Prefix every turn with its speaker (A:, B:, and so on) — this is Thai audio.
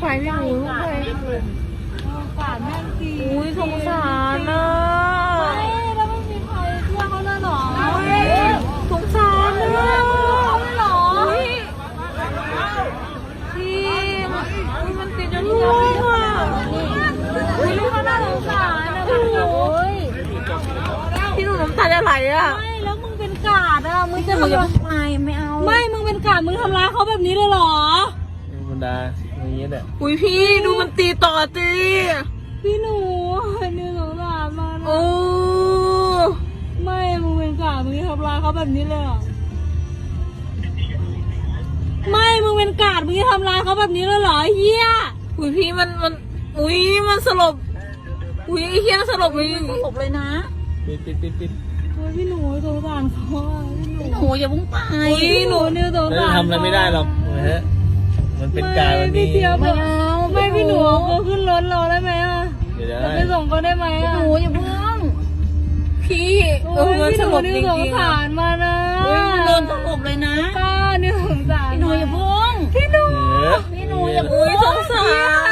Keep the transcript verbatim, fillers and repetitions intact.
A: ไปพี่หนูลุกไป
B: สงสารแม่จริง
A: อุ้ยสงสารนะ
B: ไม่แล้วไม่มีใครเชื่อเขาเลยหรอ
A: สงสารนะ
B: เขาเลยหรอ
A: พี่มันติดจนลูกอ่ะ
B: อุ้ยลูกเขาน่าสงสารนะพี่หนู
A: พี่หนูน้ำตาจะไหลอ่ะ
B: ไม่แล้วมึงเป็นกาดอ่ะมึงจะ
A: มึงอย่า
B: มา
A: ไปไม่เอา
B: ไม่มึงเป็นกาดมึงทำร้ายเขาแบบนี้เลยหรอ
C: ธรรมดาอย่างเงี้ยแหละ
A: อุ้ยพี่ดูมันตีต่อตี
B: พี่หนูนี่สงสารมัน
A: โอ้
B: ไม่มึงเป็นกาดมึงทำร้ายเขาแบบนี้เลยหรอไม่มึงเป็นกาดมึงทำร้ายเขาแบบนี้เลยหรอเฮีย
A: อุ้ยพี่มันมันอุ้ยมันสลบอุ้ยไอ้เฮียสลบเลยสลบเลยนะ
C: ปิดปิดปิดปิด
B: โอ้ยพี่หนูสงสารเขาอ่ะพี่หนู
A: หนูอย่าพุ่งไป
B: พี่หนูเนี่ยสง
C: แล้ว
B: สาร
C: จะทำอะไรไม่ได้หรอกนะฮะมันเป็นกายมันมี
B: พี่เทียบ
A: ไม่เอา
B: ไม่พี่หนูเขาขึ้นรถเราได้ไหมอ่ะ
C: เดี๋ยว
B: จะ
C: ได้
B: ไปส่งเขาได้ไหมอ่ะ
A: หนูอย่าเพิ่งพี่เอ
B: โอ้
A: อย มัน
B: พี่
A: ส
B: หนู
A: ลบ
B: นี่
A: จริ
B: สง
A: งๆ
B: สา
A: อะ
B: รมานะ
A: เฮ้ยมันโดนสลบเลยนะ
B: ป้าเนี่ยสงสาร
A: พี่หนูอย่าเพิ่ง
B: พี่หนู
C: เออ
A: พี่หนูอย่าอุ้ยสงสาร